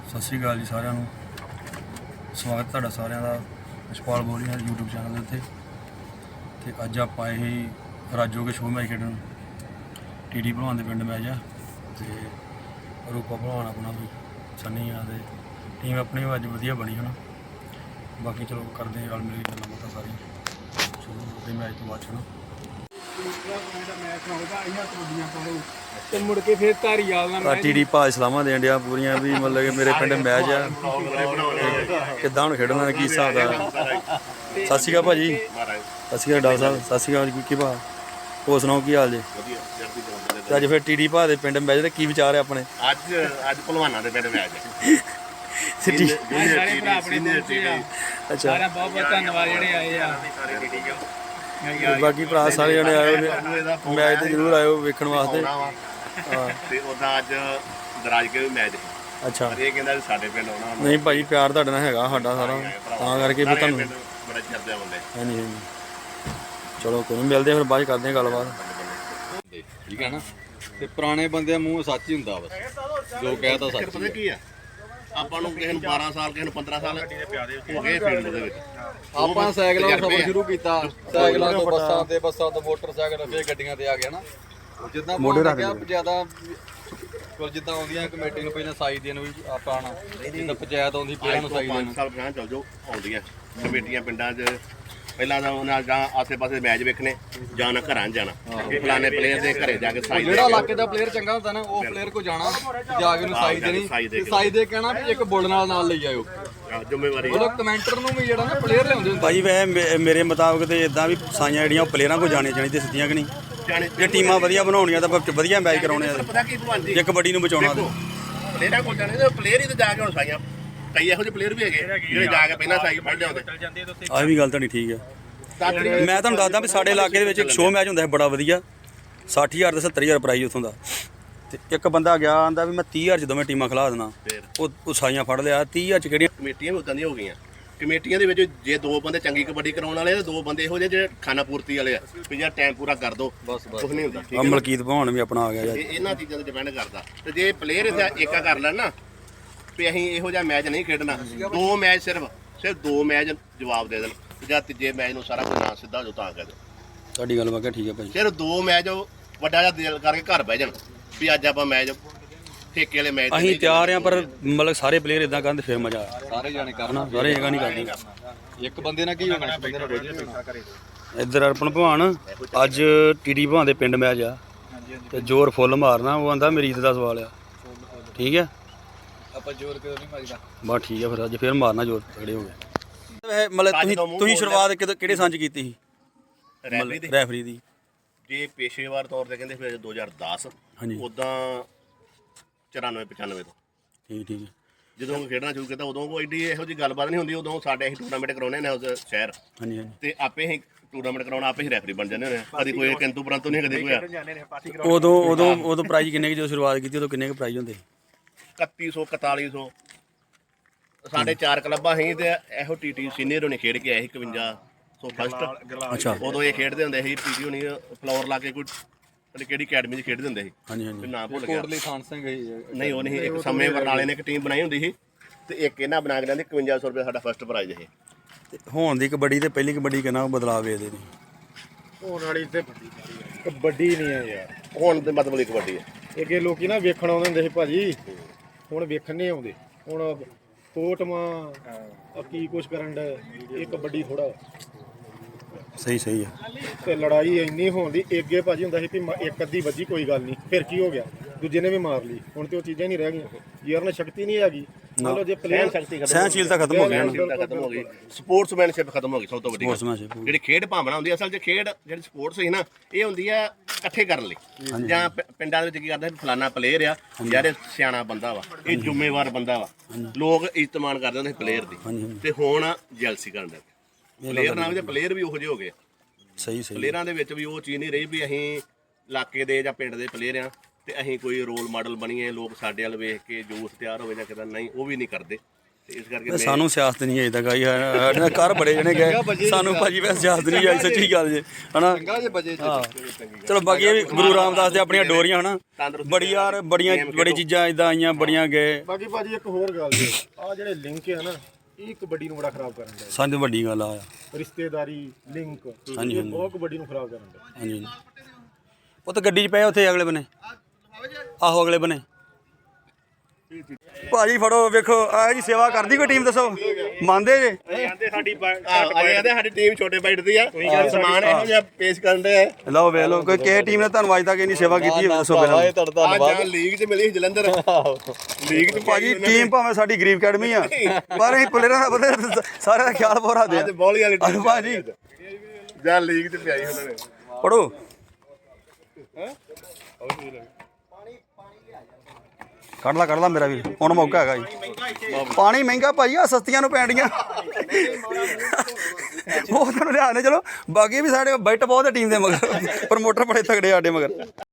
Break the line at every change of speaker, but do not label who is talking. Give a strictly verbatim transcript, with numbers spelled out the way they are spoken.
ਸਤਿ ਸ਼੍ਰੀ ਅਕਾਲ ਜੀ ਸਾਰਿਆਂ ਨੂੰ। ਸਵਾਗਤ ਤੁਹਾਡਾ ਸਾਰਿਆਂ ਦਾ ਯਸ਼ਪਾਲ ਬੋਲ ਰਿਹਾ YouTube ਚੈਨਲ ਦੇ ਉੱਤੇ। ਤੇ ਅੱਜ ਆਪਾਂ ਇਹ ਰਾਜੋ ਕੇ ਸ਼ੋਅ ਮੈਚ ਖੇਡਣ ਟੀਡੀ ਭਲਵਾਨ ਦੇ ਪਿੰਡ ਮੈਚ ਆ। ਤੇ ਰੂਪਾ ਭਲਵਾਨ ਆਪਣਾ ਵੀ ਸੰਨੀ ਆ ਤੇ ਟੀਮ ਆਪਣੀ ਅੱਜ ਵਧੀਆ ਬਣੀ ਹੁਣ। ਬਾਕੀ ਚਲੋ ਕਰਦੇ ਰਲ ਮਿਲ ਕੇ ਗੱਲਾਂ ਬਾਤਾਂ ਸਾਰੀਆਂ ਸ਼ੁਰੂ ਦੇ ਮੈਚ ਤੋਂ ਬਾਅਦ ਚਲੋ
ਤੇ ਮੁੜ ਕੇ ਫਿਰ ਧਾਰੀਵਾਲ ਨਾਲ ਮੈਚ
ਟੀਡੀ ਭਾਜ ਸਲਾਮਾਂ ਦੇਣ ਡਿਆ ਪੂਰੀਆਂ ਵੀ ਮਤਲਬ ਕਿ ਮੇਰੇ ਪਿੰਡ ਮੈਚ ਆ ਕਿੱਦਾਂ ਹੁਣ ਖੇਡਣਾ ਕੀ ਹਿਸਾਬ ਦਾ। ਸਤਿ ਸ਼੍ਰੀ ਅਕਾਲ ਭਾਜੀ। ਸਤਿ ਸ਼੍ਰੀ ਅਕਾਲ ਡਾਕਟਰ ਸਾਹਿਬ। ਸਤਿ ਸ਼੍ਰੀ ਅਕਾਲ ਕੀ ਭਾ ਹੋਰ ਸੁਣਾਓ ਕੀ ਹਾਲ ਜੇ? ਤੇ ਅੱਜ ਫਿਰ ਟੀਡੀ ਭਾ ਦੇ ਪਿੰਡ ਮੈਚ ਤੇ ਕੀ ਵਿਚਾਰ ਹੈ ਆਪਣੇ?
ਅੱਜ ਅੱਜ ਭਲਵਾਨਾਂ ਦੇ ਪਿੰਡ ਮੈਚ ਹੈ।
ਸਿੱਟੀ
ਸਾਰੇ ਭਰਾ ਆਪਣੇ ਪਹੁੰਚੇ ਆ।
ਅੱਛਾ
ਸਾਰਿਆਂ ਬਹੁਤ ਬਹੁਤ ਧੰਨਵਾਦ ਜਿਹੜੇ ਆਏ ਆ।
ਬਾਕੀ ਭਰਾ ਸਾਰੇ ਜਣੇ ਆਏ ਮੈਚ ਤੇ ਜ਼ਰੂਰ ਆਇਓ ਵੇਖਣ ਵਾਸਤੇ।
ਹਾਂ ਤੇ ਉਹਦਾ ਅੱਜ ਦਰਾਜ ਕੇ ਵੀ ਮੈਚ ਹੈ।
ਅੱਛਾ
ਇਹ ਕਹਿੰਦਾ ਵੀ ਸਾਡੇ ਪਿੰਡ ਆਉਣਾ।
ਨਹੀਂ ਭਾਜੀ ਪਿਆਰ ਤੁਹਾਡੇ ਨਾਲ ਹੈਗਾ ਸਾਡਾ ਸਾਰਾ ਤਾਂ ਕਰਕੇ ਵੀ ਤੁਹਾਨੂੰ
ਬੜਾ ਚਰਦੇ ਆਉਂਦੇ।
ਹਾਂਜੀ ਹਾਂਜੀ ਚਲੋ ਕੋਈ ਨਹੀਂ ਮਿਲਦੇ ਫਿਰ ਬਾਅਦ 'ਚ ਕਰਦੇ ਹਾਂ ਗੱਲਬਾਤ।
ਠੀਕ ਹੈ ਨਾ। ਤੇ ਪੁਰਾਣੇ ਬੰਦੇ ਮੂੰਹ ਸੱਚ ਹੀ ਹੁੰਦਾ ਬਸ ਜੋ ਕਹਿਤਾ ਸੱਚ
ਪਤਾ ਕੀ ਆ ਆਪਾਂ ਨੂੰ ਕਿਸੇ ਨੂੰ ਬਾਰਾਂ ਸਾਲ ਕਿਸੇ ਨੂੰ ਪੰਦਰਾਂ ਸਾਲ ਹੋ ਗਏ ਫੀਲਡ ਦੇ ਵਿੱਚ।
ਆਪਾਂ ਸਾਈਕਲਾਂ ਤੋਂ ਸਫ਼ਰ ਸ਼ੁਰੂ ਕੀਤਾ, ਸਾਈਕਲਾਂ ਤੋਂ ਬੱਸਾਂ ਤੇ ਬੱਸਾਂ ਤੋਂ ਮੋਟਰਸਾਈਕਲ ਫੇਰ ਗੱਡੀਆਂ ਤੇ ਆ ਗਿਆ ਨਾ। ਜਿੱਦਾਂ ਮੋਢੇ ਰੱਖ ਗਿਆ ਜ਼ਿਆਦਾ ਕੋਲ ਜਿੱਦਾਂ ਆਉਂਦੀਆਂ ਕਮੇਟੀ ਨੂੰ ਪਹਿਲਾਂ ਸਾਈ ਦੇਣ ਵੀ ਆਪਾਂ ਆਣਾ ਜਿੱਦਾਂ ਪੰਚਾਇਤ ਆਉਂਦੀ ਪਹਿਲਾਂ ਨੂੰ ਸਾਈ ਦੇਣ।
ਪੰਜ ਸਾਲ ਪਹਿਲਾਂ ਚੱਲ ਜਾਓ ਆਉਂਦੀਆਂ ਕਮੇਟੀਆਂ ਪਿੰਡਾਂ 'ਚ ਪਹਿਲਾਂ ਤਾਂ ਉਹਨਾਂ ਜਾਂ ਆਸੇ ਪਾਸੇ ਮੈਚ ਵੇਖਣੇ ਜਾਂ ਨਾ ਘਰਾਂ 'ਚ ਜਾਣਾ ਫਲਾਣੇ ਪਲੇਅਰ ਦੇ ਘਰੇ ਜਾ ਕੇ ਸਾਈ
ਜਿਹੜਾ ਇਲਾਕੇ ਦਾ ਪਲੇਅਰ ਚੰਗਾ ਹੁੰਦਾ ਨਾ ਉਹ ਪਲੇਅਰ ਕੋ ਜਾਣਾ ਜਾ ਕੇ ਉਹਨੂੰ ਸਾਈ ਦੇਣੀ ਤੇ ਸਾਈ ਦੇ ਕਹਿਣਾ ਵੀ ਇੱਕ ਬੁੱਲ ਨਾਲ ਨਾਲ ਲਈ ਆਇਓ।
ਜ਼ਿੰਮੇਵਾਰੀ
ਉਹ ਕਮੈਂਟਰ ਨੂੰ ਵੀ ਜਿਹੜਾ ਨਾ ਪਲੇਅਰ ਲਿਆਉਂਦੇ ਹੁੰਦੇ
ਭਾਜੀ ਵੈਸੇ ਮੇਰੇ ਮੁਤਾਬਕ ਤੇ ਇਦਾਂ ਵੀ ਸਾਈਆਂ ਜਿਹੜੀਆਂ ਉਹ ਪਲੇਅਰਾਂ ਕੋਲ ਜਾਣੀਆਂ ਚਾਹੀਦੀਆਂ ਸਿੱਧੀਆਂ ਕਿ ਨਹੀਂ? ਜੇ ਟੀਮਾਂ ਵਧੀਆ ਬਣਾਉਣੀਆਂ ਤਾਂ ਵਧੀਆ ਮੈਚ ਕਰਾਉਣੇ ਆ।
ਪਤਾ ਕੀ ਭਲਵਾਨ ਜੀ
ਜੇ ਕਬੱਡੀ ਨੂੰ ਬਚਾਉਣਾ ਤੇ
ਪਲੇਅਰਾਂ ਕੋਲ ਜਾਣੇ ਤੇ ਪਲੇਅਰ ਹੀ ਤਾਂ ਜਾ ਕੇ ਹੁਣ ਸਾਈਆਂ ਕਈ ਇਹੋ ਜਿਹੇ ਪਲੇਅਰ ਵੀ ਹੈਗੇ ਜਿਹੜੇ ਜਾ ਕੇ ਪਹਿਲਾਂ ਸਾਈ ਫੜ ਲਿਆਉਂਦੇ।
ਆਹ ਵੀ ਗੱਲ ਤੁਹਾਡੀ ਠੀਕ ਹੈ। ਮੈਂ ਤੁਹਾਨੂੰ ਦੱਸਦਾ ਵੀ ਸਾਡੇ ਇਲਾਕੇ ਦੇ ਵਿੱਚ ਇੱਕ ਸ਼ੋਅ ਮੈਚ ਹੁੰਦਾ ਹੈ ਬੜਾ ਵਧੀਆ ਸੱਠ ਹਜ਼ਾਰ ਤੇ ਸੱਤਰ ਹਜ਼ਾਰ ਪ੍ਰਾਈਜ਼ ਉੱਥੋਂ ਦਾ। ਤੇ ਇੱਕ ਬੰਦਾ ਗਿਆ ਆਂਦਾ ਵੀ ਮੈਂ ਤੀਹ ਹਜ਼ਾਰ 'ਚ ਦੋਵੇਂ ਟੀਮਾਂ ਖਿਲਾ ਦੇਣਾ। ਉਹ ਉਹ ਸਾਈਆਂ ਫੜ ਲਿਆ ਤੀਹ ਹਜ਼ਾਰ 'ਚ ਕਿਹੜੀਆਂ
ਕਮੇਟੀਆਂ ਵੀ ਉਦਾਂ ਦੀਆਂ ਹੋ ਗਈਆਂ। ਕਮੇਟੀਆਂ ਦੇ ਵਿੱਚ ਜੇ ਦੋ ਬੰਦੇ ਚੰਗੀ ਕਬੱਡੀ ਕਰਾਉਣ ਵਾਲੇ ਤੇ ਦੋ ਬੰਦੇ ਇਹੋ ਜਿਹੇ ਜਿਹੜੇ ਖਾਣਾ ਪੂਰਤੀ ਵਾਲੇ ਆ ਵੀ ਜਾਂ ਟਾਈਮ ਪੂਰਾ ਕਰ ਦੋ
ਬਸ ਬਸ
ਕੁਝ ਨਹੀਂ ਹੁੰਦਾ। ਠੀਕ
ਆ
ਹੈ
ਮਲਕੀਤ ਭਵਾਨ ਵੀ ਆਪਣਾ ਆ ਗਿਆ
ਇਹ ਇਹਨਾਂ ਚੀਜ਼ਾਂ ਤੇ ਡਿਪੈਂਡ ਕਰਦਾ। ਤੇ ਜੇ ਪਲੇਅਰ ਏਕਾ ਕਰ ਲੈਣ ਨਾ ਵੀ ਅਸੀਂ ਇਹੋ ਜਿਹਾ ਮੈਚ ਨਹੀਂ ਖੇਡਣਾ ਦੋ ਮੈਚ ਸਿਰਫ ਸਿਰਫ ਦੋ ਮੈਚ ਜਵਾਬ ਦੇ ਦੇਣ ਜਾਂ ਤੀਜੇ ਮੈਚ ਨੂੰ ਸਾਰਾ ਕੁਝ ਨਾ ਸਿੱਧਾ ਹੋ ਜਾਓ ਤਾਂ ਕਰ ਦਿਓ।
ਤੁਹਾਡੀ ਗੱਲ ਵਾਕਿਆ ਠੀਕ ਹੈ ਭਾਜੀ।
ਸਿਰਫ ਦੋ ਮੈਚ ਵੱਡਾ ਜਿਹਾ ਦਿਲ ਕਰਕੇ ਘਰ ਬਹਿ ਜਾਣ ਵੀ ਅੱਜ ਆਪਾਂ ਮੈਚ ਠੇਕੇ ਵਾਲੇ ਮੈਚ
ਅਸੀਂ ਤਿਆਰ ਆ ਪਰ ਮਤਲਬ ਸਾਰੇ ਪਲੇਅਰ ਇਦਾਂ ਕਰਨ ਤੇ ਫਿਰ ਮਜ਼ਾ ਆ
ਸਾਰੇ ਜਾਣੇ ਕਰਨਾ
ਸਾਰੇ ਜਗ੍ਹਾ ਨਹੀਂ ਕਰਦੇ।
ਇੱਕ ਬੰਦੇ ਨਾਲ ਕੀ ਹੋਣਾ ਇੱਕ ਬੰਦੇ ਨਾਲ ਰੋਜ਼
ਇੱਧਰ ਅਰਪਣ ਭਵਾਨ ਅੱਜ ਟੀਡੀ ਭਵਾਨ ਦੇ ਪਿੰਡ ਮੈਚ ਆ ਤੇ ਜ਼ੋਰ ਫੁੱਲ ਮਾਰਨਾ। ਉਹ ਆਂਦਾ ਮੇਰੀ ਇੱਜ਼ਤ ਦਾ ਸਵਾਲ ਆ। ਠੀਕ ਹੈ
ਆਪਾਂ ਜ਼ੋਰ ਕਿਉਂ ਨਹੀਂ ਮਾਰੀਦਾ
ਬਸ ਠੀਕ ਹੈ ਫਿਰ ਅੱਜ ਫਿਰ ਮਾਰਨਾ ਜ਼ੋਰ ਤਗੜੇ ਹੋ ਗਏ। ਮਤਲਬ ਤੁਸੀਂ ਤੁਸੀਂ ਸ਼ੁਰੂਆਤ ਕਿਹੜੇ ਕਿਹੜੇ ਸੰਚ ਕੀਤੀ ਸੀ
ਰੈਫਰੀ ਦੀ
ਰੈਫਰੀ ਦੀ?
ਜੇ ਪੇਸ਼ੇਵਾਰ ਤੌਰ ਤੇ ਕਹਿੰਦੇ ਫਿਰ ਦੋ ਹਜ਼ਾਰ ਦਸ
ਹਾਂਜੀ
ਉਦਾਂ ਚੁਰਾਨਵੇਂ ਪਚਾਨਵੇਂ ਤੋਂ
ਠੀਕ ਠੀਕ ਹੈ।
ਜਦੋਂ ਖੇਡਣਾ ਸ਼ੁਰੂ ਕੀਤਾ ਉਦੋਂ ਕੋਈ ਏਡੀ ਇਹੋ ਜਿਹੀ ਗੱਲਬਾਤ ਨਹੀਂ ਹੁੰਦੀ। ਉਦੋਂ ਸਾਡੇ ਅਸੀਂ ਟੂਰਨਾਮੈਂਟ ਕਰਾਉਣੇ ਨੇ ਉਸ ਸ਼ਹਿਰ
ਹਾਂਜੀ ਹਾਂਜੀ
ਤੇ ਆਪੇ ਅਸੀਂ ਟੂਰਨਾਮੈਂਟ ਕਰਾਉਣਾ ਆਪੇ ਹੀ ਰੈਫਰੀ ਬਣ ਜਾਂਦੇ ਹੁੰਦੇ ਆ। ਕਦੀ ਕੋਈ ਕਿੰਤੂ ਪਰੰਤੂ ਨਹੀਂ ਕਦੇ ਕੋਈ
ਉਦੋਂ ਉਦੋਂ ਉਦੋਂ ਪ੍ਰਾਈਜ਼ ਕਿੰਨੇ ਕੁ ਜਦੋਂ ਸ਼ੁਰੂਆਤ ਕੀਤੀ ਉਦੋਂ ਕਿੰਨੇ ਕੁ ਪ੍ਰਾਈਜ਼ ਹੁੰਦੇ?
ਇਕੱਤੀ ਸੌ ਇਕਤਾਲੀ ਸੌ ਸਾਡੇ ਚਾਰ ਕਲੱਬਾਂ ਸੀ ਤੇ ਇਹੋ ਟੀਟੀ ਸੀਨੀਅਰ ਹੋਣੇ ਖੇਡ ਕੇ ਆਏ ਸੀ ਇਕਵੰਜਾ ਸੌ ਫਸਟ।
ਅੱਛਾ
ਉਦੋਂ ਇਹ ਖੇਡਦੇ ਹੁੰਦੇ ਸੀ ਪੀਟੀ ਹੋਣੀ ਫਲੋਰ ਲਾ ਕੇ ਕੋਈ ਪਤਾ ਕਿਹੜੀ ਅਕੈਡਮੀ 'ਚ ਖੇਡਦੇ ਹੁੰਦੇ ਸੀ
ਹਾਂਜੀ
ਤੇ
ਹਾਂਜੀ
ਨਾਂ ਭੁੱਲ ਗਿਆ।
ਕੋਟਲੀ ਖਾਨ ਸਿੰਘ
ਨਹੀਂ ਉਹ ਨਹੀਂ ਇੱਕ ਸਮੇਂ ਬਰਨਾਲੇ ਨੇ ਇੱਕ ਟੀਮ ਬਣਾਈ ਹੁੰਦੀ ਸੀ ਤੇ ਇੱਕ ਇਹਨਾਂ ਬਣਾ ਕੇ ਲੈਂਦੇ ਇਕਵੰਜਾ ਸੌ ਰੁਪਏ ਸਾਡਾ ਫਸਟ ਪ੍ਰਾਈਜ਼ ਇਹ।
ਤੇ ਹੁਣ ਦੀ ਕਬੱਡੀ ਤੇ ਪਹਿਲੀ ਕਬੱਡੀ ਕਿੰਨਾ ਬਦਲਾਅ ਵੇਖਦੇ ਨੇ?
ਹੋਣ ਵਾਲੀ ਤੇ ਕਬੱਡੀ ਨਹੀਂ ਆ ਯਾਰ।
ਹੁਣ ਤੇ ਮਤਲਬ ਕਬੱਡੀ ਹੈ।
ਅੱਗੇ ਲੋਕੀ ਨਾ ਵੇਖਣ ਆਉਂਦੇ ਹੁੰਦੇ ਸੀ ਭਾਜੀ, ਹੁਣ ਵੇਖਣ ਨਹੀਂ ਆਉਂਦੇ। ਹੁਣ ਫੋਟੋਆਂ ਕੀ ਕੁਛ ਕਰਨ ਦਾ ਇਹ ਕਬੱਡੀ ਥੋੜਾ
ਸਹੀ ਸਹੀ ਹੈ।
ਤੇ ਲੜਾਈ ਇੰਨੀ ਹੋਣ ਦੀ ਅੱਗੇ ਭਾਜੀ ਹੁੰਦਾ ਸੀ ਵੀ ਇੱਕ ਅੱਧੀ ਵੱਜੀ ਕੋਈ ਗੱਲ ਨਹੀਂ ਫਿਰ ਕੀ ਹੋ ਗਿਆ ਦੂਜੇ ਨੇ ਵੀ ਮਾਰ ਲਈ। ਹੁਣ ਤੇ ਉਹ ਚੀਜ਼ਾਂ ਨਹੀਂ ਰਹਿ ਗਈਆਂ। ਯਾਰ ਨਾ ਸ਼ਕਤੀ ਨਹੀਂ ਹੈਗੀ। ਮਤਲਬ ਜੇ ਪਲੇਅਰ ਸ਼ਕਤੀ
ਸਹਿਨਸ਼ੀਲਤਾ ਖਤਮ ਹੋ ਗਈ
ਸਹਿਨਸ਼ੀਲਤਾ ਖਤਮ ਹੋ ਗਈ। ਸਪੋਰਟਸਮੈਨਸ਼ਿਪ ਖਤਮ ਹੋ ਗਈ ਸਭ ਤੋਂ ਵੱਡੀ ਗੱਲ।
ਸਪੋਰਟਸਮੈਨਸ਼ਿਪ
ਜਿਹੜੀ ਖੇਡ ਭਾਵਨਾ ਹੁੰਦੀ ਅਸਲ 'ਚ ਖੇਡ ਜਿਹੜੀ ਸਪੋਰਟਸ ਸੀ ਨਾ ਇਹ ਹੁੰਦੀ ਆ ਇਕੱਠੇ ਕਰਨ ਲਈ ਜਾਂ ਪਿੰਡਾਂ ਦੇ ਵਿੱਚ ਕੀ ਕਰਦਾ ਫਲਾਨਾ ਪਲੇਅਰ ਆ ਯਾਰ ਇਹ ਸਿਆਣਾ ਬੰਦਾ ਵਾ ਇਹ ਜ਼ਿੰਮੇਵਾਰ ਬੰਦਾ ਵਾ ਲੋਕ ਇੱਜ਼ਤ-ਮਾਣ ਕਰਦੇ ਹੁੰਦੇ ਪਲੇਅਰ ਦੀ। ਤੇ ਹੁਣ ਜੈਲਸੀ ਕਰਨ ਲੱਗ ਪਏ ਪਲੇਅਰ ਨਾਲ ਵੀ ਪਲੇਅਰ ਵੀ ਉਹੋ ਜਿਹੇ ਹੋ ਗਏ।
ਸਹੀ ਸਹੀ
ਪਲੇਅਰਾਂ ਦੇ ਵਿੱਚ ਵੀ ਉਹ ਚੀਜ਼ ਨਹੀਂ ਰਹੀ ਵੀ ਅਸੀਂ ਇਲਾਕੇ ਦੇ ਜਾਂ ਪਿੰਡ ਦੇ ਪਲੇਅਰ ਆ ਤੇ ਅਸੀਂ ਕੋਈ ਰੋਲ ਮਾਡਲ ਬਣੀਏ ਲੋਕ ਸਾਡੇ ਵੱਲ ਵੇਖ ਕੇ ਜੋਸ਼ ਤਿਆਰ ਹੋਵੇ ਜਾਂ ਕਿਦਾਂ ਨਹੀਂ ਉਹ ਵੀ ਨਹੀਂ ਕਰਦੇ। ਤੇ ਇਸ ਕਰਕੇ
ਤੇ ਸਾਨੂੰ ਸਿਆਸਤ ਨਹੀਂ ਅਜੇ ਤੱਕ ਆਈ ਸਾਡੇ ਨਾਲ ਘਰ ਬੜੇ ਜਣੇ ਗਏ ਸਾਨੂੰ ਭਾਜੀ ਵੈਸੇ ਸਿਆਸਤ ਨਹੀਂ ਆਈ ਸੱਚੀ ਗੱਲ ਜੇ ਹਨਾ
ਚੰਗਾ ਜੇ ਬਜੇ
ਹਾਂ ਚਲੋ ਬਾਕੀ ਇਹ ਵੀ ਗੁਰੂ ਰਾਮਦਾਸ ਦੇ ਆਪਣੀਆਂ ਡੋਰੀਆਂ ਹਨਾ ਬੜੀ ਯਾਰ ਬੜੀਆਂ ਬੜੀ ਚੀਜ਼ਾਂ ਇਦਾਂ ਆਈਆਂ ਬੜੀਆਂ ਗਏ
ਬਾਕੀ ਭਾਜੀ ਇੱਕ ਹੋਰ ਗੱਲ ਜੀ ਆ ਜਿਹੜੇ ਲਿੰਕ ਹੈ ਨਾ ਇਹ ਕਬੱਡੀ ਨੂੰ ਬੜਾ ਖਰਾਬ ਕਰਨ ਦਾ
ਸਾਨੂੰ ਵੱਡੀ ਗੱਲ ਆ
ਰਿਸ਼ਤੇਦਾਰੀ ਲਿੰਕ
ਹਾਂਜੀ,
ਇਹ ਬਹੁਤ ਕਬੱਡੀ ਨੂੰ ਖਰਾਬ ਕਰਨ ਦਾ
ਹਾਂਜੀ ਉਹ ਤਾਂ ਗੱਡੀ 'ਚ ਪਏ ਉੱਥੇ ਅਗਲੇ ਬੰਨੇ ਆਹੋ ਅਗਲੇ ਬੰਨੇ ਭਾਜੀ ਫੜੋ ਵੇਖੋ ਆ ਜੀ ਸੇਵਾ ਕਰਦੀ ਕੋਈ ਟੀਮ ਦੱਸੋ ਮੰਨਦੇ ਜੇ
ਅਜੇ ਕਹਿੰਦੇ ਸਾਡੀ ਟੀਮ ਛੋਟੇ ਬਾਈਟ ਦੀ ਆ ਸਮਾਨ ਇਹੋ ਜਿਹਾ ਪੇਸ਼ ਕਰਨ ਦੇ ਆ
ਲਓ ਵੇਖ ਲਓ ਕੋਈ ਕਿਸੇ ਟੀਮ ਨੇ ਤੁਹਾਨੂੰ ਅੱਜ ਤੱਕ ਇੰਨੀ ਸੇਵਾ ਕੀਤੀ ਹੋਵੇ ਦੱਸੋ ਪਹਿਲਾਂ
ਇਹ ਤੁਹਾਡਾ ਧੰਨਵਾਦ
ਅੱਜ ਲੀਗ 'ਚ ਮਿਲੀ ਸੀ ਜਲੰਧਰ ਲੀਗ 'ਚ
ਭਾਜੀ ਟੀਮ ਭਾਵੇਂ ਸਾਡੀ ਗਰੀਬ ਅਕੈਡਮੀ ਆ ਪਰ ਅਸੀਂ ਪਲੇਅਰਾਂ ਦਾ ਪਤਾ ਸਾਰਿਆਂ ਦਾ ਖਿਆਲ ਬਹੁਤ ਰੱਖਦੇ
ਅੱਜ ਬੋਲੀ ਵਾਲੀ
ਆ ਭਾਜੀ
ਜਾਂ ਲੀਗ 'ਚ ਪਿਆਈ ਉਹਨਾਂ ਨੇ
ਪੜੋ ਕੱਢ ਲਾ ਕੱਢ ਲਾ ਮੇਰਾ ਵੀਰ ਹੁਣ ਮੌਕਾ ਹੈਗਾ ਜੀ ਪਾਣੀ ਮਹਿੰਗਾ ਭਾਈ ਆ ਸਸਤੀਆਂ ਨੂੰ ਪੈਣੀਆਂ ਉਹ ਤੁਹਾਨੂੰ ਲਿਆਣੇ ਚਲੋ ਬਾਕੀ ਵੀ ਸਾਡੇ ਬੈਟ ਬਹੁਤ ਟੀਮ ਦੇ ਮਗਰ ਪ੍ਰਮੋਟਰ ਬੜੇ ਤਗੜੇ ਸਾਡੇ ਮਗਰ